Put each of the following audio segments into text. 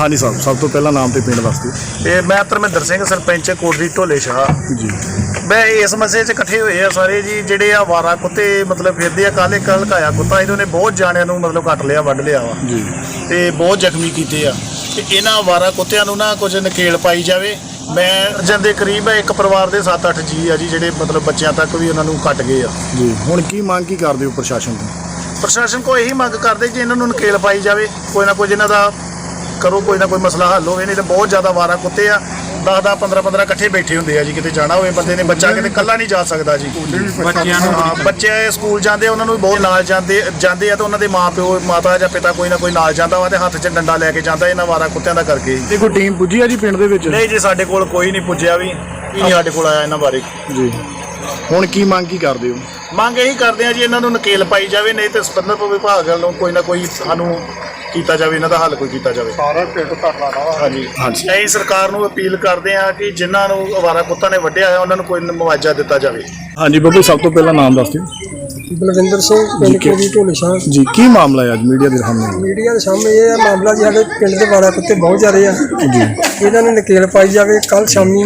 हाँ जी साहब, सब तो पहला नाम तो पिंड दस दिओ। मैं धर्मिंदर सिंह सरपंच कोटली ढोले शाह जी। मैं इस मसले च इकट्ठे हुए आ सारे जी ਜਿਹੜੇ ਆ ਵਾਰਾ ਕੁੱਤੇ मतलब ਫਿਰਦੇ ਆ। ਕੱਲ ਇੱਕ ਹਲਕਾਇਆ ਕੁੱਤਾ ਇਹਨੇ ਬਹੁਤ ਜਾਣਿਆਂ ਨੂੰ मतलब ਕੱਟ ਲਿਆ ਵੱਢ ਲਿਆ ਵਾ जी। ਤੇ ਬਹੁਤ ਜ਼ਖਮੀ ਕੀਤੇ ਆ ਤੇ ਇਹਨਾਂ ਵਾਰਾ ਕੁੱਤਿਆਂ ਨੂੰ ਨਾ ਕੁਝ ਨਕੇਲ ਪਾਈ ਜਾਵੇ। ਮੈਂ ਅਰਜਨ ਦੇ ਕਰੀਬ ਇੱਕ ਪਰਿਵਾਰ ਦੇ 7-8 ਜੀ ਆ ਜੀ ਜਿਹੜੇ मतलब ਬੱਚਿਆਂ ਤੱਕ ਵੀ ਉਹਨਾਂ ਨੂੰ ਕੱਟ ਗਏ ਆ जी। ਹੁਣ ਕੀ ਮੰਗ ਕੀ ਕਰਦੇ ਹੋ ਪ੍ਰਸ਼ਾਸਨ ਤੋਂ? ਪ੍ਰਸ਼ਾਸਨ ਕੋ ਇਹੀ ਮੰਗ ਕਰਦੇ ਕਿ ਇਹਨਾਂ ਨੂੰ ਨਕੇਲ ਪਾਈ ਜਾਵੇ, ਕੋਈ ਨਾ ਕੋਈ ਇਹਨਾਂ ਦਾ ਕਰੋ, ਕੋਈ ਨਾ ਕੋਈ ਮਸਲਾ ਹੱਲ ਹੋਵੇ। ਨਹੀਂ ਤਾਂ ਬਹੁਤ ਜ਼ਿਆਦਾ ਵਾਰਾ ਕੁੱਤੇ ਆ, 10-10 15-15 ਇਕੱਠੇ ਬੈਠੇ ਹੁੰਦੇ ਆ ਜੀ। ਕਿਤੇ ਜਾਣਾ ਹੋਵੇ ਬੰਦੇ ਨੇ, ਬੱਚਾ ਕਿਤੇ ਇਕੱਲਾ ਨਹੀਂ ਜਾ ਸਕਦਾ ਜੀ। ਬੱਚਿਆਂ ਨੂੰ ਬੱਚੇ ਸਕੂਲ ਜਾਂਦੇ ਉਹਨਾਂ ਨੂੰ ਵੀ ਬਹੁਤ ਨਾਲ ਜਾਂਦੇ ਆ ਤੇ ਉਹਨਾਂ ਦੇ ਮਾਂ-ਪਿਓ ਮਾਤਾ ਜਾਂ ਪਿਤਾ ਕੋਈ ਨਾ ਕੋਈ ਨਾਲ ਜਾਂਦਾ ਵਾ ਤੇ ਹੱਥ 'ਚ ਡੰਡਾ ਲੈ ਕੇ ਜਾਂਦਾ ਇਹਨਾਂ ਵਾਰਾ ਕੁੱਤਿਆਂ ਦਾ ਕਰਕੇ। ਤੇ ਕੋਈ ਟੀਮ ਪੁੱਜੀ ਆ ਜੀ ਪਿੰਡ ਦੇ ਵਿੱਚ? ਨਹੀਂ ਜੀ, ਸਾਡੇ ਕੋਲ ਕੋਈ ਨਹੀਂ ਪੁੱਜਿਆ ਵੀ, ਨਹੀਂ ਸਾਡੇ ਕੋਲ ਆਇਆ ਇਹਨਾਂ ਬਾਰੇ ਜੀ। ਹੁਣ ਕੀ ਮੰਗ ਕੀ ਕਰਦੇ ਹੋ? ਮੰਗ ਇਹੀ ਕਰਦੇ ਆ ਜੀ ਇਹਨਾਂ ਨੂੰ ਨਕੇਲ ਪਾਈ ਜਾਵੇ, ਨਹੀਂ ਤੇ ਸੰਬੰਧਿਤ ਵਿਭਾਗ ਵੱਲੋਂ ਕੋਈ ਨਾ ਕੋਈ ਸਾਨੂੰ ਕੀਤਾ ਜਾਵੇ, ਇਹਨਾਂ ਦਾ ਹੱਲ ਕੋਈ ਕੀਤਾ ਜਾਵੇ। ਸਾਰਾ ਪਿੰਡ ਧਰਨਾ ਲਾਵਾ। ਹਾਂਜੀ ਹਾਂਜੀ। ਅਸੀਂ ਸਰਕਾਰ ਨੂੰ ਅਪੀਲ ਕਰਦੇ ਆ ਕਿ ਜਿਨ੍ਹਾਂ ਨੂੰ ਅਵਾਰਾ ਕੁੱਤਾ ਨੇ ਵੱਢਿਆ ਹੈ ਉਹਨਾਂ ਨੂੰ ਕੋਈ ਮੁਆਵਜ਼ਾ ਦਿੱਤਾ ਜਾਵੇ। ਹਾਂਜੀ ਬੱਬੂ, ਸਭ ਤੋਂ ਪਹਿਲਾਂ ਨਾਮ ਦੱਸ ਦਿਓ। ਬਲਵਿੰਦਰ ਸਿੰਘ ਪਿੰਡ ਕੋਟਲੀ ਢੋਲੇ ਸ਼ਾਹ ਜੀ। ਕੀ ਮਾਮਲਾ ਹੈ ਅੱਜ ਮੀਡੀਆ ਦੇ ਸਾਹਮਣੇ? ਮੀਡੀਆ ਦੇ ਸਾਹਮਣੇ ਇਹ ਹੈ ਮਾਮਲਾ ਜੀ, ਸਾਡੇ ਪਿੰਡ ਦੇ ਵਾਰਾ ਕੁੱਤੇ ਬਹੁਤ ਜ਼ਿਆਦਾ ਆ ਜੀ। ਇਹਨਾਂ ਨੂੰ ਨਕੇਲ ਪਾਈ ਜਾਵੇ। ਕੱਲ ਸ਼ਾਮੀ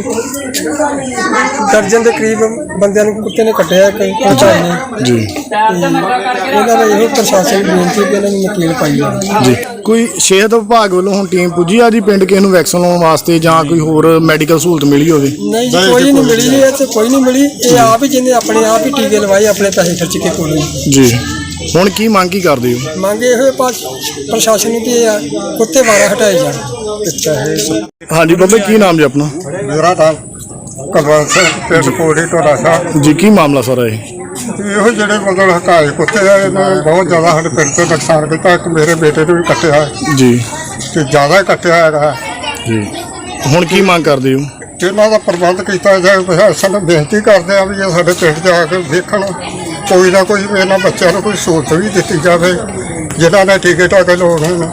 ਦਰਜਨ ਦੇ ਕਰੀਬ ਬੰਦਿਆਂ ਨੂੰ ਕੁੱਤੇ ਨੇ ਕੱਟਿਆ ਪਹੁੰਚਾਈ ਨੇ ਜੀ। ਇਹਨਾਂ ਦਾ ਇਹੋ ਪ੍ਰਸ਼ਾਸਨ ਨੂੰ ਬੇਨਤੀ ਕਿ ਇਹਨਾਂ ਨੂੰ ਨਕੇਲ ਪਾਈ ਜਾਵੇ ਜੀ। ਕੋਈ ਸਿਹਤ ਵਿਭਾਗ ਵੱਲੋਂ ਹੁਣ ਟੀਮ ਪੁੱਜੀ ਆ ਜੀ ਪਿੰਡ ਕਿਸੇ ਨੂੰ ਵੈਕਸੀਨ ਲਾਉਣ ਵਾਸਤੇ ਜਾਂ ਕੋਈ ਹੋਰ ਮੈਡੀਕਲ ਸਹੂਲਤ ਮਿਲੀ ਹੋਵੇ? ਨਹੀਂ ਜੀ, ਕੋਈ ਨਹੀਂ ਮਿਲੀ ਜੀ, ਇੱਥੇ ਕੋਈ ਨਹੀਂ ਮਿਲੀ। ਇਹ ਆਪ ਹੀ ਜਿਹਨੇ ਆਪਣੇ ਆਪ ਹੀ ਟੀਕੇ ਲਵਾਏ, ਆਪਣੇ ਪੈਸੇ ਖਰਚ ਕੇ ਕੋਲ ਜੀ। ਹੁਣ ਕੀ ਮੰਗ ਕੀ ਕਰਦੇ ਹੋ? ਮੰਗ ਇਹੋ ਪ੍ਰਸ਼ਾਸਨ ਨੂੰ ਕਿ ਇਹ ਕੁੱਤੇ ਵਾਰਾ ਹਟਾਏ ਜਾਣ। ਹਾਂਜੀ ਬੱਬੇ, ਕੀ ਨਾਮ ਜੀ ਆਪਣਾ? ਮੇਰਾ ਨਾਮ ਕੁਲਵੰਤ ਸਿੰਘ, ਪਿੰਡ ਕੋਟਲੀ ਢੋਲਾ ਸ਼ਾਹ ਜੀ। ਕੀ ਮਾਮਲਾ ਸਾਰਾ ਇਹ? ਇਹੋ ਜਿਹੜੇ ਮਤਲਬ ਹਕਾਏ ਕੁੱਤੇ ਆ, ਇਹਨਾਂ ਨੇ ਬਹੁਤ ਜ਼ਿਆਦਾ ਸਾਡੇ ਪਿੰਡ ਤੇ ਨੁਕਸਾਨ ਕੀਤਾ। ਇੱਕ ਮੇਰੇ ਬੇਟੇ ਨੂੰ ਵੀ ਕੱਟਿਆ ਜੀ ਤੇ ਜ਼ਿਆਦਾ ਕੱਟਿਆ ਹੈਗਾ ਜੀ। ਹੁਣ ਕੀ ਮੰਗ ਕਰਦੇ ਹੋ? ਇਹਨਾਂ ਦਾ ਪ੍ਰਬੰਧ ਕੀਤਾ ਜਾਏ। ਪ੍ਰਸ਼ਾਸਨ ਨੂੰ ਬੇਨਤੀ ਕਰਦੇ ਆ ਵੀ ਇਹ ਸਾਡੇ ਪਿੰਡ 'ਚ ਆ ਕੇ ਦੇਖਣ, ਕੋਈ ਨਾ ਕੋਈ ਇਹਨਾਂ ਬੱਚਿਆਂ ਨੂੰ ਕੋਈ ਸਹੂਲਤ ਵੀ ਦਿੱਤੀ ਜਾਵੇ ਜਿਨ੍ਹਾਂ ਨੇ ਟੀਕੇ ਟਾਕੇ ਲਾਉਣੇ ਨੇ।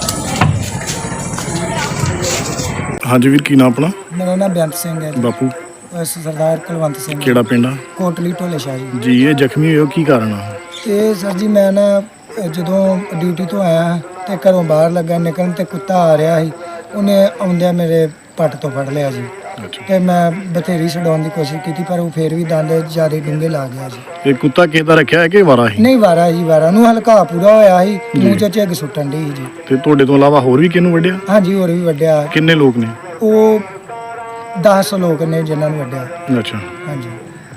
ਹਾਂਜੀ ਵੀਰ, ਕੀ ਨਾਮ ਆਪਣਾ? ਮੇਰਾ ਨਾਮ ਬੇਅੰਤ ਸਿੰਘ ਹੈ ਜੀ। ਬਾਪੂ ਸਰਦਾਰ ਕੁਲਵੰਤ ਸਿੰਘ, ਕਿਹੜਾ ਪਿੰਡ ਆ? ਕੋਟਲੀ ਢੋਲੇ ਸ਼ਾਹ ਜੀ। ਜੀ। ਇਹ ਜ਼ਖਮੀ ਹੋਏ ਹੋ, ਕੀ ਕਾਰਨ ਆ? ਤੇ ਸਰ ਜੀ, ਮੈਂ ਨਾ ਜਦੋਂ ਡਿਊਟੀ ਤੋਂ ਆਇਆ ਤੇ ਘਰੋਂ ਬਾਹਰ ਲੱਗਾ ਨਿਕਲਣ ਤੇ ਕੁੱਤਾ ਆ ਰਿਹਾ ਸੀ। ਉਹਨੇ ਆਉਂਦਿਆਂ ਮੇਰੇ ਪੱਟ ਤੋਂ ਫੜ ਲਿਆ ਜੀ। ਤੇ ਮੈਂ ਬਥੇਰੀ ਛਡਾਉਣ ਦੀ ਕੋਸ਼ਿਸ਼ ਕੀਤੀ ਪਰ ਉਹ ਫੇਰ ਵੀ ਦੰਦ ਜ਼ਿਆਦਾ ਡੂੰਘੇ ਲਾ ਗਿਆ ਜੀ। ਇਹ ਕੁੱਤਾ ਕਿਹਦਾ ਰੱਖਿਆ ਹੈ ਕਿ ਵਾਰਾ ਹੀ? ਨਹੀਂ, ਵਾਰਾ ਜੀ, ਵਾਰਾ ਨੂੰ ਹਲਕਾ ਪੂਰਾ ਹੋਇਆ ਸੀ, ਮੂੰਹ 'ਚ ਝੱਗ ਸੁੱਟਣ ਦੀ ਜੀ। ਤੇ ਤੁਹਾਡੇ ਤੋਂ ਇਲਾਵਾ ਹੋਰ ਵੀ ਕਿਹਨੂੰ ਵੱਢਿਆ? ਹਾਂਜੀ, ਹੋਰ ਵੀ ਵੱਢਿਆ। ਕਿੰਨੇ ਲੋਕ ਨੇ? ਉਹ 10 ਲੋਕ ਨੇ ਜਿਨ੍ਹਾਂ ਨੂੰ ਵੱਢਿਆ। ਅੱਛਾ। ਹਾਂਜੀ।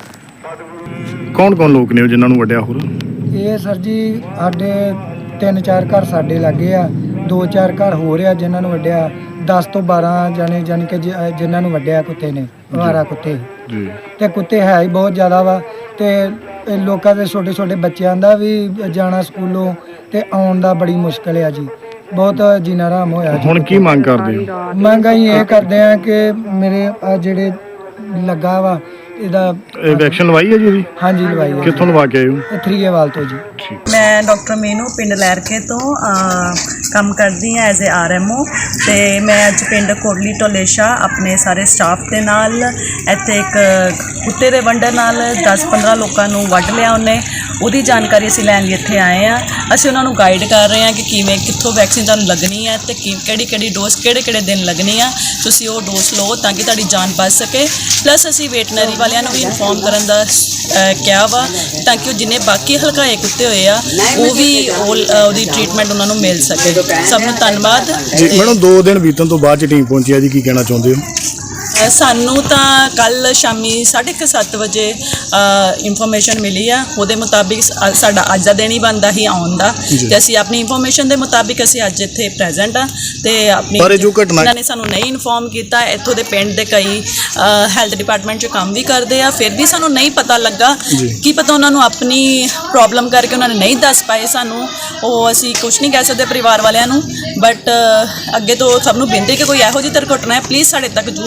ਕੌਣ ਕੌਣ ਲੋਕ ਨੇ ਜਿਨ੍ਹਾਂ ਨੂੰ ਵੱਢਿਆ ਹੋਰ? ਇਹ ਸਰ ਜੀ ਸਾਡੇ 3-4 ਘਰ ਸਾਡੇ ਲੱਗੇ ਆ, 2-4 ਘਰ ਹੋਰ ਆ ਜਿਨ੍ਹਾਂ ਨੂੰ ਵੱਢਿਆ। 10 ਤੋਂ 12 ਜਾਣੇ ਜਾਣੀ ਕਿ ਜਿਨ੍ਹਾਂ ਨੂੰ ਵੱਢਿਆ ਕੁੱਤੇ ਨੇ, ਅਵਾਰਾ ਕੁੱਤੇ ਜੀ। ਤੇ ਕੁੱਤੇ ਹੈ ਹੀ ਬਹੁਤ ਜ਼ਿਆਦਾ ਵਾ। ਤੇ ਲੋਕਾਂ ਦੇ ਛੋਟੇ ਛੋਟੇ ਬੱਚਿਆਂ ਦਾ ਵੀ ਜਾਣਾ ਸਕੂਲੋਂ ਤੇ ਆਉਣ ਦਾ ਬੜੀ ਮੁਸ਼ਕਲ ਆ ਜੀ। ਬਹੁਤ ਜੀਣਾ ਹਰਾਮ ਹੋਇਆ ਜੀ। ਹੁਣ ਕੀ ਮੰਗ ਕਰਦੇ ਹੋ? ਮੰਗ ਅਸੀਂ ਇਹ ਕਰਦੇ ਆ ਕਿ ਮੇਰੇ ਆ ਜਿਹੜੇ ਲੱਗਾ ਵਾ ਇਹਦਾ ਵੈਕਸੀਨ ਲਵਾਈ ਹੈ ਜੀ ਇਹਦੀ? ਹਾਂਜੀ, ਲਵਾਈ ਹੈ। ਕਿੱਥੋਂ ਲਵਾ ਕੇ ਆਏ ਹੋ? ਥਰੀਏਵਾਲ ਤੋਂ ਜੀ। ਮੈਂ ਡਾਕਟਰ ਮੀਨੂ ਪਿੰਡ ਲਹਿਰਕੇ ਤੋਂ ਕੰਮ ਕਰਦੀ ਹਾਂ ਐਜ਼ ਏ RMO। ਤੇ ਮੈਂ ਅੱਜ ਪਿੰਡ ਕੋਟਲੀ ਢੋਲੇ ਸ਼ਾਹ ਆਪਣੇ ਸਾਰੇ ਸਟਾਫ ਦੇ ਨਾਲ ਇੱਥੇ ਇੱਕ ਕੁੱਤੇ ਦੇ ਵੰਡਰ ਨਾਲ 10-15 ਲੋਕਾਂ ਨੂੰ ਵੱਢ ਲਿਆ ਉਹਨੇ। ਉਹਦੀ ਜਾਣਕਾਰੀ ਅਸੀਂ ਲੈਣ ਲਈ ਇੱਥੇ ਆਏ ਹਾਂ। ਅਸੀਂ ਉਹਨਾਂ ਨੂੰ ਗਾਈਡ ਕਰ ਰਹੇ ਹਾਂ ਕਿ ਕਿਵੇਂ ਕਿੱਥੋਂ ਵੈਕਸੀਨ ਤੁਹਾਨੂੰ ਲੱਗਣੀ ਹੈ ਤੇ ਕਿਹੜੀ ਡੋਜ਼ ਕਿਹੜੇ ਦਿਨ ਲੱਗਣੀ ਆ। ਤੁਸੀਂ ਉਹ ਡੋਜ਼ ਲਓ ਤਾਂ ਕਿ ਤੁਹਾਡੀ ਜਾਨ ਬਚ ਸਕੇ। ਪਲੱਸ ਅਸੀਂ ਵੈਟਰਨਰੀ ਵਾਲਿਆਂ ਨੂੰ ਵੀ ਇਨਫੋਰਮ ਕਰਨ ਦਾ ਕਿਹਾ ਵਾ ਤਾਂ ਕਿ ਉਹ ਜਿੰਨੇ ਬਾਕੀ ਹਲਕਾਏ ਕੁੱਤੇ ਹੋਏ ਆ ਉਹ ਵੀ ਉਹਦੀ ਟ੍ਰੀਟਮੈਂਟ ਉਹਨਾਂ ਨੂੰ ਮਿਲ ਸਕੇ। ਸਭ ਨੂੰ ਧੰਨਵਾਦ ਜੀ। ਮੈਡਮ 2 ਦਿਨ ਬੀਤਣ ਤੋਂ ਬਾਅਦ ਟੀਮ ਪਹੁੰਚੀ ਆ ਜੀ, ਕੀ ਕਹਿਣਾ ਚਾਹੁੰਦੇ ਹੋ? ਸਾਨੂੰ ਤਾਂ ਕੱਲ ਸ਼ਾਮੀ 7:30 ਵਜੇ ਇਨਫੋਰਮੇਸ਼ਨ ਮਿਲੀ ਆ। ਉਹਦੇ ਮੁਤਾਬਿਕ ਸਾਡਾ ਅੱਜ ਦਾ ਦਿਨ ਹੀ ਬਣਦਾ ਹੀ ਆਉਣ ਦਾ ਤੇ ਅਸੀਂ ਆਪਣੀ ਇਨਫੋਰਮੇਸ਼ਨ ਦੇ ਮੁਤਾਬਿਕ ਅਸੀਂ ਅੱਜ ਇੱਥੇ ਪ੍ਰੈਜ਼ੈਂਟ ਆ। ਤੇ ਆਪਣੀ ਇਹਨਾਂ ਨੇ ਸਾਨੂੰ ਨਹੀਂ ਇਨਫੋਰਮ ਕੀਤਾ। ਇੱਥੋਂ ਦੇ ਪਿੰਡ ਦੇ ਕਈ ਹੈਲਥ ਡਿਪਾਰਟਮੈਂਟ 'ਚ ਕੰਮ ਵੀ ਕਰਦੇ ਆ, ਫਿਰ ਵੀ ਸਾਨੂੰ ਨਹੀਂ ਪਤਾ ਲੱਗਾ। ਕੀ ਪਤਾ ਉਹਨਾਂ ਨੂੰ ਆਪਣੀ ਪ੍ਰੋਬਲਮ ਕਰਕੇ ਉਹਨਾਂ ਨੇ ਨਹੀਂ ਦੱਸ ਪਾਏ ਸਾਨੂੰ। ਉਹ ਅਸੀਂ ਕੁਛ ਨਹੀਂ ਕਹਿ ਸਕਦੇ ਪਰਿਵਾਰ ਵਾਲਿਆਂ ਨੂੰ। ਬਟ ਅੱਗੇ ਤੋਂ ਸਭ ਨੂੰ ਬੇਨਤੀ ਕਿ ਕੋਈ ਇਹੋ ਜਿਹੀ ਦੁਰਘਟਨਾ ਹੈ ਪਲੀਜ਼ ਸਾਡੇ ਤੱਕ ਜ਼ਰੂਰ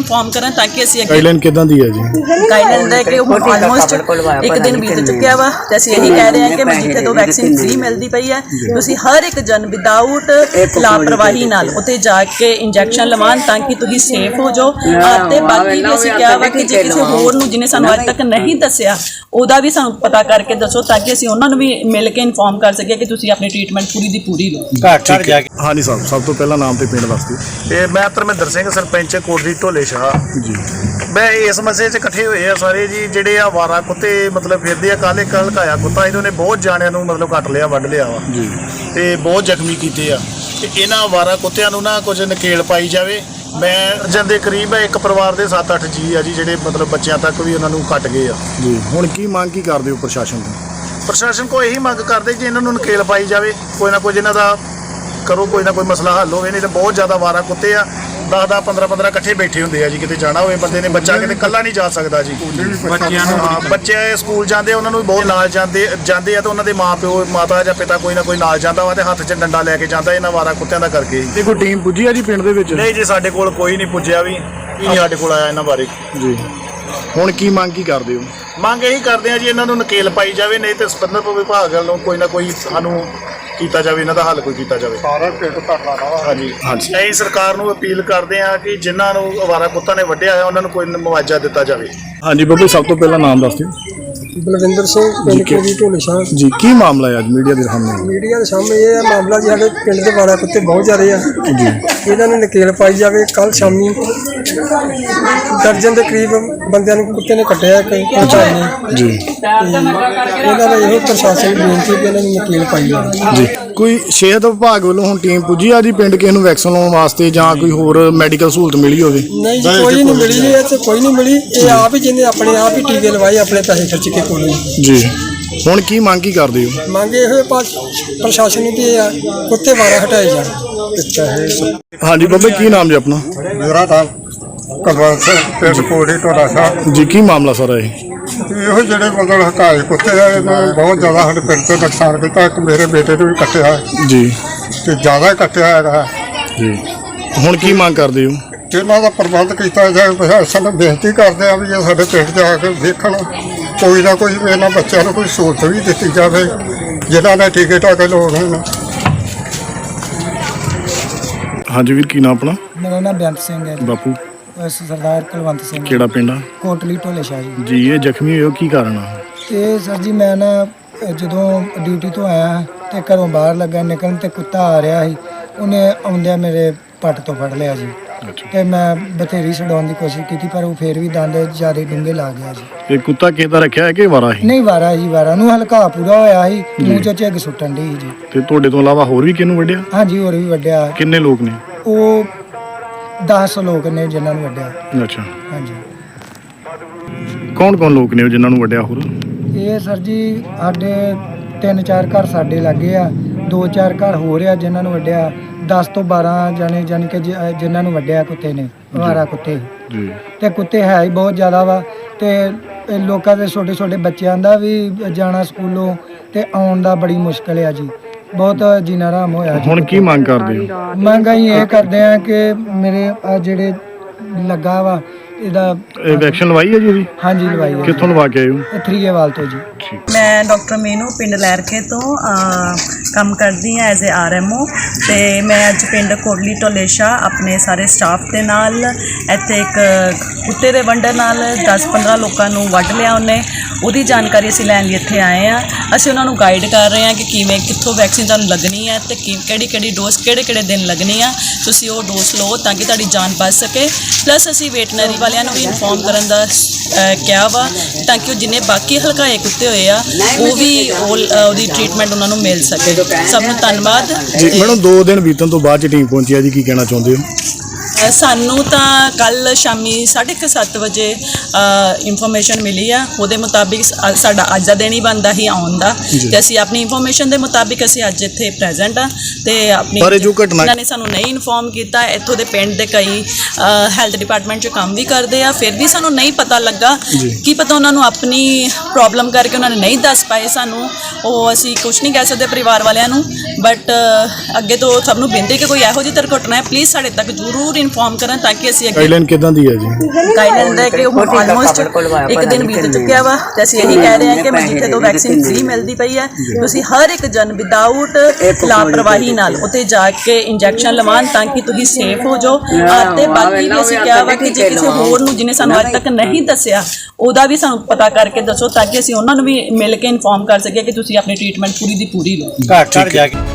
ਇਨਫੋਰਮ ਕਰਨ ਤਾਂ ਕਿ ਅਸੀਂ ਅੱਗੇ ਗਾਈਡਲਾਈਨ ਕਿਦਾਂ ਦੀ ਹੈ ਜੀ? ਗਾਈਡਲਾਈਨ ਦੇ ਕਿ ਹੁਣ ਆਲਮੋਸਟ ਇੱਕ ਦਿਨ ਬੀਤ ਚੁੱਕਿਆ ਵਾ ਤੇ ਅਸੀਂ ਇਹੀ ਕਹਿ ਰਹੇ ਹਾਂ ਕਿ ਜਿੱਥੇ ਤੋਂ ਵੈਕਸੀਨ ਫ੍ਰੀ ਮਿਲਦੀ ਪਈ ਹੈ ਤੁਸੀਂ ਹਰ ਇੱਕ ਜਨ ਵਿਦਆਊਟ ਲਾਪਰਵਾਹੀ ਨਾਲ ਉੱਥੇ ਜਾ ਕੇ ਇੰਜੈਕਸ਼ਨ ਲਵਾਉਣ ਤਾਂ ਕਿ ਤੁਸੀਂ ਸੇਫ ਹੋ ਜਾਓ। ਤੇ ਬਾਕੀ ਵੀ ਅਸੀਂ ਕਿਹਾ ਵਾ ਕਿ ਜੇ ਕਿਸੇ ਹੋਰ ਨੂੰ ਜਿਹਨੇ ਸਾਨੂੰ ਅੱਜ ਤੱਕ ਨਹੀਂ ਦੱਸਿਆ ਉਹਦਾ ਵੀ ਸਾਨੂੰ ਪਤਾ ਕਰਕੇ ਦੱਸੋ ਤਾਂ ਕਿ ਅਸੀਂ ਉਹਨਾਂ ਨੂੰ ਵੀ ਮਿਲ ਕੇ ਇਨਫੋਰਮ ਕਰ ਸਕੀਏ ਕਿ ਤੁਸੀਂ ਆਪਣੀ ਟ੍ਰੀਟਮੈਂਟ ਪੂਰੀ ਦੀ ਪੂਰੀ ਲਓ। ਹਾਂਜੀ ਸਾਹਿਬ, ਸਭ ਤੋਂ ਪਹਿਲਾਂ ਨਾਮ ਤੇ ਪਿੰਡ ਦੱਸ ਦਿਓ। ਤੇ ਮੈਂ ਧਰਮਿੰਦਰ ਸਿੰਘ, ਸਰਪੰਚ ਕੋਟਲੀ ਢੋਲੇ ਸ਼ਾਹ ਜੀ। ਮੈਂ ਇਸ ਮਸਲੇ 'ਚ ਇਕੱਠੇ ਹੋਏ ਆ ਸਾਰੇ ਜੀ, ਜਿਹੜੇ ਆ ਵਾਰਾ ਕੁੱਤੇ ਮਤਲਬ ਫਿਰਦੇ ਆ। ਕੱਲ੍ਹ ਇੱਕ ਹਲਕਾਇਆ ਕੁੱਤਾ ਇਹਨਾਂ ਨੇ ਬਹੁਤ ਜਾਣਿਆਂ ਨੂੰ ਮਤਲਬ ਕੱਟ ਲਿਆ, ਵੱਢ ਲਿਆ ਵਾ ਜੀ। ਤੇ ਬਹੁਤ ਜ਼ਖਮੀ ਕੀਤੇ ਆ। ਤੇ ਇਹਨਾਂ ਵਾਰਾ ਕੁੱਤਿਆਂ ਨੂੰ ਨਾ ਕੁਝ ਨਕੇਲ ਪਾਈ ਜਾਵੇ। ਮੈਂ ਜਾਂਦੇ ਕਰੀਬ ਇੱਕ ਪਰਿਵਾਰ ਦੇ 7-8 ਜੀ ਆ ਜੀ, ਜਿਹੜੇ ਮਤਲਬ ਬੱਚਿਆਂ ਤੱਕ ਵੀ ਉਹਨਾਂ ਨੂੰ ਕੱਟ ਗਏ ਆ ਜੀ। ਹੁਣ ਕੀ ਮੰਗ ਕੀ ਕਰਦੇ ਹੋ ਪ੍ਰਸ਼ਾਸਨ ਤੋਂ? ਪ੍ਰਸ਼ਾਸਨ ਕੋਲ ਇਹੀ ਮੰਗ ਕਰਦੇ ਜੀ ਇਹਨਾਂ ਨੂੰ ਨਕੇਲ ਪਾਈ ਜਾਵੇ, ਕੋਈ ਨਾ ਕੁਝ ਇਹਨਾਂ ਦਾ ਕਰੋ, ਕੋਈ ਨਾ ਕੋਈ ਮਸਲਾ ਹੱਲ ਹੋਵੇ। ਨਹੀਂ ਤਾਂ ਬਹੁਤ ਜ਼ਿਆਦਾ ਵਾਰਾ ਕੁੱਤੇ ਆ, 10-10 15-15 ਇਕੱਠੇ ਬੈਠੇ ਹੁੰਦੇ ਆ ਜੀ। ਕਿਤੇ ਜਾਣਾ ਹੋਵੇ ਬੰਦੇ ਨੇ, ਬੱਚਾ ਕਿਤੇ ਇਕੱਲਾ ਨਹੀਂ ਜਾ ਸਕਦਾ ਜੀ। ਬੱਚਿਆਂ ਨੂੰ ਬੱਚੇ ਸਕੂਲ ਜਾਂਦੇ ਉਹਨਾਂ ਨੂੰ ਵੀ ਬਹੁਤ ਨਾਲ ਜਾਂਦੇ ਆ ਤੇ ਉਹਨਾਂ ਦੇ ਮਾਪਿਓ, ਮਾਤਾ ਜਾਂ ਪਿਤਾ ਕੋਈ ਨਾ ਕੋਈ ਨਾਲ ਜਾਂਦਾ ਵਾ ਤੇ ਹੱਥ 'ਚ ਡੰਡਾ ਲੈ ਕੇ ਜਾਂਦਾ ਇਹਨਾਂ ਵਾਰਾ ਕੁੱਤਿਆਂ ਦਾ ਕਰਕੇ। ਤੇ ਕੋਈ ਟੀਮ ਪੁੱਜੀ ਆ ਜੀ ਪਿੰਡ ਦੇ ਵਿੱਚ? ਨਹੀਂ ਜੀ, ਸਾਡੇ ਕੋਲ ਕੋਈ ਨਹੀਂ ਪੁੱਜਿਆ ਵੀ, ਨਹੀਂ ਸਾਡੇ ਕੋਲ ਆਇਆ ਇਹਨਾਂ ਬਾਰੇ ਜੀ। ਹੁਣ ਕੀ ਮੰਗ ਕੀ ਕਰਦੇ ਹੋ? ਮੰਗ ਇਹੀ ਕਰਦੇ ਆ ਜੀ ਇਹਨਾਂ ਨੂੰ ਨਕੇਲ ਪਾਈ ਜਾਵੇ, ਨਹੀਂ ਤੇ ਸੰਬੰਧਿਤ ਵਿਭਾਗ ਵੱਲੋਂ ਕੋਈ ਨਾ ਕੋਈ ਸਾਨੂੰ ਕੀਤਾ ਜਾਵੇ, ਇਹਨਾਂ ਦਾ ਹੱਲ ਕੋਈ ਕੀਤਾ ਜਾਵੇ। ਸਾਰਾ ਪਿੰਡ ਧਰਨਾ ਵਾ। ਹਾਂਜੀ, ਅਸੀਂ ਸਰਕਾਰ ਨੂੰ ਅਪੀਲ ਕਰਦੇ ਹਾਂ ਕਿ ਜਿਨ੍ਹਾਂ ਨੂੰ ਅਵਾਰਾ ਕੁੱਤਾ ਨੇ ਵੱਢਿਆ ਹੋਇਆ ਉਹਨਾਂ ਨੂੰ ਕੋਈ ਮੁਆਵਜ਼ਾ ਦਿੱਤਾ ਜਾਵੇ। ਹਾਂਜੀ ਬੱਬੂ, ਸਭ ਤੋਂ ਪਹਿਲਾਂ ਨਾਮ ਦੱਸ ਦਿਓ। ਬਲਵਿੰਦਰ ਸਿੰਘ, ਪਿੰਡ ਕੋਟਲੀ ਢੋਲੇ ਸ਼ਾਹ। ਜੀ, ਕੀ ਮਾਮਲਾ ਹੈ ਅੱਜ ਮੀਡੀਆ ਦੇ ਸਾਹਮਣੇ? ਮੀਡੀਆ ਦੇ ਸਾਹਮਣੇ ਇਹ ਮਾਮਲਾ ਜੀ, ਸਾਡੇ ਪਿੰਡ ਦੇ ਵਾਰਾ ਕੁੱਤੇ ਬਹੁਤ ਜ਼ਿਆਦੇ ਆ ਜੀ। ਇਹਨਾਂ ਨੂੰ ਨਕੇਲ ਪਾਈ ਜਾਵੇ। ਕੱਲ ਸ਼ਾਮੀ ਦਰਜਨ ਦੇ ਕਰੀਬ ਬੰਦਿਆਂ ਨੂੰ ਕੁੱਤੇ ਨੇ ਕੱਟਿਆ ਜੀ। ਇਹਨਾਂ ਦਾ ਇਹੋ ਪ੍ਰਸ਼ਾਸਨ ਨੂੰ ਬੇਨਤੀ ਕਿ ਇਹਨਾਂ ਨੂੰ ਨਕੇਲ ਪਾਈ ਜਾਵੇ ਜੀ। ਕੋਈ ਸਿਹਤ ਵਿਭਾਗ ਵੱਲੋਂ ਹੁਣ ਟੀਮ ਪੁੱਜੀ ਆ ਜੀ ਪਿੰਡ ਕਿਸੇ ਨੂੰ ਵੈਕਸੀਨ ਲਾਉਣ ਵਾਸਤੇ ਜਾਂ ਕੋਈ ਹੋਰ ਮੈਡੀਕਲ ਸਹੂਲਤ ਮਿਲੀ ਹੋਵੇ? ਨਹੀਂ ਜੀ, ਕੋਈ ਨਹੀਂ ਮਿਲੀ ਜੀ, ਇੱਥੇ ਕੋਈ ਨਹੀਂ ਮਿਲੀ। ਇਹ ਆਪ ਹੀ ਜਿਹਨੇ ਆਪਣੇ ਆਪ ਹੀ ਟੀਕੇ ਲਵਾਏ, ਆਪਣੇ ਪੈਸੇ ਖਰਚ ਕੇ ਕੋਲ ਜੀ। ਹੁਣ ਕੀ ਮੰਗ ਕੀ ਕਰਦੇ ਹੋ? ਮੰਗੇ ਇਹੋ ਪ੍ਰਸ਼ਾਸਨ ਨੂੰ ਕਿ ਇਹ ਕੁੱਤੇ ਵਾਰਾ ਹਟਾਏ ਜਾਣ। ਹਾਂਜੀ ਬੱਬੇ, ਕੀ ਨਾਮ ਜੀ ਆਪਣਾ? ਮੇਰਾ ਨਾਮ ਕੁਲਵੰਤ ਸਿੰਘ, ਪਿੰਡ ਕੋਟਲੀ ਢੋਲਾ ਸ਼ਾਹ। ਜੀ, ਕੀ ਮਾਮਲਾ ਸਾਰਾ ਇਹ? ਇਹੋ ਜਿਹੜੇ ਮਤਲਬ ਹਕਾਏ ਕੁੱਤੇ ਆ, ਇਹਨਾਂ ਨੇ ਬਹੁਤ ਜ਼ਿਆਦਾ ਸਾਡੇ ਪਿੰਡ 'ਤੇ ਨੁਕਸਾਨ ਕੀਤਾ। ਇੱਕ ਮੇਰੇ ਬੇਟੇ ਨੂੰ ਵੀ ਕੱਟਿਆ ਜੀ। ਤੇ ਜ਼ਿਆਦਾ ਹੀ ਕੱਟਿਆ ਹੈਗਾ ਜੀ। ਹੁਣ ਕੀ ਮੰਗ ਕਰਦੇ ਹੋ? ਇਹਨਾਂ ਦਾ ਪ੍ਰਬੰਧ ਕੀਤਾ ਜਾਵੇ। ਪ੍ਰਸ਼ਾਸਨ ਨੂੰ ਬੇਨਤੀ ਕਰਦੇ ਆ ਵੀ ਇਹ ਸਾਡੇ ਪਿੰਡ 'ਚ ਆ ਕੇ ਦੇਖਣ, ਕੋਈ ਨਾ ਕੋਈ ਇਹਨਾਂ ਬੱਚਿਆਂ ਨੂੰ ਕੋਈ ਸਹੂਲਤ ਵੀ ਦਿੱਤੀ ਜਾਵੇ ਜਿਨ੍ਹਾਂ ਨੇ ਟੀਕੇ ਟਾਕੇ ਲਾਉਣੇ ਨੇ। ਹਾਂਜੀ ਵੀਰ, ਕੀ ਨਾਮ ਆਪਣਾ? ਮੇਰਾ ਨਾਮ ਬੇਅੰਤ ਸਿੰਘ ਹੈ ਜੀ। ਬਾਪੂ, ਸਰਦਾਰ ਕੁਲਵੰਤ ਸਿੰਘ, ਕਿਹੜਾ ਪਿੰਡ ਆ? ਕੋਟਲੀ ਢੋਲੇ ਸ਼ਾਹ ਜੀ। ਜੀ। ਇਹ ਜ਼ਖਮੀ ਹੋਏ ਹੋ, ਕੀ ਕਾਰਨ ਆ? ਇਹ ਸਰ ਜੀ, ਮੈਂ ਨਾ ਜਦੋਂ ਡਿਊਟੀ ਤੋਂ ਆਇਆ ਤੇ ਘਰੋਂ ਬਾਹਰ ਲੱਗਾ ਨਿਕਲਣ ਤੇ ਕੁੱਤਾ ਆ ਰਿਹਾ ਸੀ। ਉਹਨੇ ਆਉਂਦਿਆਂ ਮੇਰੇ ਪੱਟ ਤੋਂ ਫੜ ਲਿਆ ਜੀ। ਤੇ ਮੈਂ ਬਥੇਰੀ ਛਡਾਉਣ ਦੀ ਕੋਸ਼ਿਸ਼ ਕੀਤੀ ਪਰ ਉਹ ਫੇਰ ਵੀ ਦੰਦ ਜ਼ਿਆਦਾ ਡੂੰਘੇ ਲਾ ਗਿਆ ਜੀ। ਇਹ ਕੁੱਤਾ ਕਿਹਦਾ ਰੱਖਿਆ ਹੈ ਕਿ ਵਾਰਾ ਹੀ? ਨਹੀਂ, ਵਾਰਾ ਜੀ, ਵਾਰਾ ਨੂੰ ਹਲਕਾ ਪੂਰਾ ਹੋਇਆ ਸੀ, ਮੂੰਹ ਚੋਂ ਝੱਗ ਸੁੱਟਣ ਦੀ ਜੀ। ਤੇ ਤੁਹਾਡੇ ਤੋਂ ਇਲਾਵਾ ਹੋਰ ਵੀ ਕਿਹਨੂੰ ਵੱਢਿਆ? ਹਾਂਜੀ, ਹੋਰ ਵੀ ਵੱਢਿਆ। ਕਿੰਨੇ ਲੋਕ ਨੇ? ਉਹ 10 ਲੋਕ ਨੇ ਜਿਨ੍ਹਾਂ ਨੂੰ ਵੱਢਿਆ। ਅੱਛਾ। ਹਾਂਜੀ। ਕੌਣ ਕੌਣ ਲੋਕ ਨੇ ਉਹ ਜਿਨ੍ਹਾਂ ਨੂੰ ਵੱਢਿਆ? ਹੋਰ ਇਹ ਸਰ ਜੀ, ਸਾਡੇ 3-4 ਘਰ ਸਾਡੇ ਲੱਗੇ ਆ, 2-4 ਘਰ ਹੋ ਰਿਹਾ ਜਿਨ੍ਹਾਂ ਨੂੰ ਵੱਢਿਆ। 10 ਤੋਂ 12 ਜਾਣੇ ਜਾਣੀ ਕਿ ਜਿਨ੍ਹਾਂ ਨੂੰ ਵੱਢਿਆ ਕੁੱਤੇ ਨੇ, ਅਵਾਰਾ ਕੁੱਤੇ। ਜੀ। ਤੇ ਕੁੱਤੇ ਹੈ ਹੀ ਬਹੁਤ ਜ਼ਿਆਦਾ ਵਾ। ਤੇ ਇਹ ਲੋਕਾਂ ਦੇ ਛੋਟੇ ਛੋਟੇ ਬੱਚਿਆਂ ਦਾ ਵੀ ਜਾਣਾ ਸਕੂਲੋਂ ਤੇ ਆਉਣ ਦਾ ਬੜੀ ਮੁਸ਼ਕਲ ਆ ਜੀ। ਬਹੁਤ ਜੀਣਾ ਹਰਾਮ ਹੋਇਆ ਜੀ। ਹੁਣ ਕੀ ਮੰਗ ਕਰਦੇ ਹੋ? ਮੰਗ ਅਸੀਂ ਇਹ ਕਰਦੇ ਆ ਕਿ ਮੇਰੇ ਆ ਜਿਹੜੇ ਲੱਗਾ ਵਾ ਇਹਦਾ ਇਹ ਵੈਕਸੀਨ ਲਵਾਈ ਹੈ ਜੀ ਇਹਦੀ? ਹਾਂਜੀ, ਲਵਾਈ ਹੈ। ਕਿੱਥੋਂ ਲਵਾ ਕੇ ਆਏ ਹੋ? ਥਰੀਏਵਾਲ ਤੋਂ ਜੀ। ਮੈਂ ਡਾਕਟਰ ਮੀਨੂ, ਪਿੰਡ ਲਹਿਰਕੇ ਤੋਂ ਕੰਮ ਕਰਦੀ ਹਾਂ ਐਜ਼ ਏ ਆਰਐਮਓ। ਤੇ ਮੈਂ ਅੱਜ ਪਿੰਡ ਕੋਟਲੀ ਢੋਲੇ ਸ਼ਾਹ ਆਪਣੇ ਸਾਰੇ ਸਟਾਫ ਦੇ ਨਾਲ ਇੱਥੇ ਇੱਕ ਕੁੱਤੇ ਦੇ ਵੰਡਰ ਨਾਲ 10-15 ਲੋਕਾਂ ਨੂੰ ਵੱਢ ਲਿਆ ਉਹਨੇ। ਉਹਦੀ ਜਾਣਕਾਰੀ ਅਸੀਂ ਲੈਣ ਲਈ ਇੱਥੇ ਆਏ ਹਾਂ। ਅਸੀਂ ਉਹਨਾਂ ਨੂੰ ਗਾਈਡ ਕਰ ਰਹੇ ਹਾਂ ਕਿ ਕਿਵੇਂ ਕਿੱਥੋਂ ਵੈਕਸੀਨ ਤੁਹਾਨੂੰ ਲੱਗਣੀ ਹੈ ਤੇ ਕਿਹੜੀ ਡੋਜ਼ ਕਿਹੜੇ ਦਿਨ ਲੱਗਣੀ ਆ। ਤੁਸੀਂ ਉਹ ਡੋਜ਼ ਲਓ ਤਾਂ ਕਿ ਤੁਹਾਡੀ ਜਾਨ ਬਚ ਸਕੇ। ਪਲੱਸ ਅਸੀਂ ਵੈਟਰਨਰੀ ਵਾਲਿਆਂ ਨੂੰ ਵੀ ਇਨਫੋਰਮ ਕਰਨ ਦਾ ਕਿਹਾ ਵਾ ਤਾਂ ਕਿ ਉਹ ਜਿੰਨੇ ਬਾਕੀ ਹਲਕਾਏ ਕੁੱਤੇ ਹੋਏ ਆ ਉਹ ਵੀ ਉਹਦੀ ਟ੍ਰੀਟਮੈਂਟ ਉਹਨਾਂ ਨੂੰ ਮਿਲ ਸਕੇ। ਸਭ ਨੂੰ ਧੰਨਵਾਦ ਜੀ। ਮੈਡਮ, 2 ਦਿਨ ਬੀਤਣ ਤੋਂ ਬਾਅਦ ਟੀਮ ਪਹੁੰਚੀ ਆ ਜੀ, ਕੀ ਕਹਿਣਾ ਚਾਹੁੰਦੇ ਹੋ? ਸਾਨੂੰ ਤਾਂ ਕੱਲ ਸ਼ਾਮੀ 7:30 ਵਜੇ ਇਨਫੋਰਮੇਸ਼ਨ ਮਿਲੀ ਆ। ਉਹਦੇ ਮੁਤਾਬਿਕ ਸਾਡਾ ਅੱਜ ਦਾ ਦਿਨ ਹੀ ਬਣਦਾ ਹੀ ਆਉਣ ਦਾ ਤੇ ਅਸੀਂ ਆਪਣੀ ਇਨਫੋਰਮੇਸ਼ਨ ਦੇ ਮੁਤਾਬਿਕ ਅਸੀਂ ਅੱਜ ਇੱਥੇ ਪ੍ਰੈਜ਼ੈਂਟ ਆ। ਤੇ ਆਪਣੀ ਇਹਨਾਂ ਨੇ ਸਾਨੂੰ ਨਹੀਂ ਇਨਫੋਰਮ ਕੀਤਾ। ਇੱਥੋਂ ਦੇ ਪਿੰਡ ਦੇ ਕਈ ਹੈਲਥ ਡਿਪਾਰਟਮੈਂਟ 'ਚ ਕੰਮ ਵੀ ਕਰਦੇ ਆ, ਫਿਰ ਵੀ ਸਾਨੂੰ ਨਹੀਂ ਪਤਾ ਲੱਗਾ। ਕੀ ਪਤਾ ਉਹਨਾਂ ਨੂੰ ਆਪਣੀ ਪ੍ਰੋਬਲਮ ਕਰਕੇ ਉਹਨਾਂ ਨੇ ਨਹੀਂ ਦੱਸ ਪਾਏ ਸਾਨੂੰ। ਉਹ ਅਸੀਂ ਕੁਝ ਨਹੀਂ ਕਹਿ ਸਕਦੇ ਪਰਿਵਾਰ ਵਾਲਿਆਂ ਨੂੰ। ਬਟ ਅੱਗੇ ਤੋਂ ਸਭ ਨੂੰ ਬੇਨਤੀ ਕਿ ਕੋਈ ਇਹੋ ਜਿਹੀ ਦੁਰਘਟਨਾ ਹੈ ਪਲੀਜ਼ ਸਾਡੇ ਤੱਕ ਜ਼ਰੂਰ ਇਨਫੋਰਮ ਕਰਨ ਤਾਂ ਕਿ ਅਸੀਂ ਅੱਗੇ ਗਾਈਡਲਾਈਨ ਕਿਦਾਂ ਦੀ ਹੈ ਜੀ? ਗਾਈਡਲਾਈਨ ਦਾ ਕਿ ਹੁਣ ਆਲਮੋਸਟ ਇੱਕ ਦਿਨ ਬੀਤ ਚੁੱਕਿਆ ਵਾ ਤੇ ਅਸੀਂ ਇਹੀ ਕਹਿ ਰਹੇ ਹਾਂ ਕਿ ਜਿੱਥੇ ਤੋਂ ਵੈਕਸੀਨ ਫ੍ਰੀ ਮਿਲਦੀ ਪਈ ਹੈ ਤੁਸੀਂ ਹਰ ਇੱਕ ਜਨ ਵਿਦਆਊਟ ਲਾਪਰਵਾਹੀ ਨਾਲ ਉੱਥੇ ਜਾ ਕੇ ਇੰਜੈਕਸ਼ਨ ਲਵਾਉਣ ਤਾਂ ਕਿ ਤੁਸੀਂ ਸੇਫ ਹੋ ਜਾਓ। ਤੇ ਬਾਕੀ ਵੀ ਅਸੀਂ ਕਿਹਾ ਵਾ ਕਿ ਜੇ ਕਿਸੇ ਹੋਰ ਨੂੰ ਜਿਹਨੇ ਸਾਨੂੰ ਅੱਜ ਤੱਕ ਨਹੀਂ ਦੱਸਿਆ ਉਹਦਾ ਵੀ ਸਾਨੂੰ ਪਤਾ ਕਰਕੇ ਦੱਸੋ ਤਾਂ ਕਿ ਅਸੀਂ ਉਹਨਾਂ ਨੂੰ ਵੀ ਮਿਲ ਕੇ ਇਨਫੋਰਮ ਕਰ ਸਕੀਏ ਕਿ ਤੁਸੀਂ ਆਪਣੀ ਟ੍ਰੀਟਮੈਂਟ ਪੂਰੀ ਦੀ ਪੂਰੀ ਲਓ। ਘਰ ਘਰ ਜਾ ਕੇ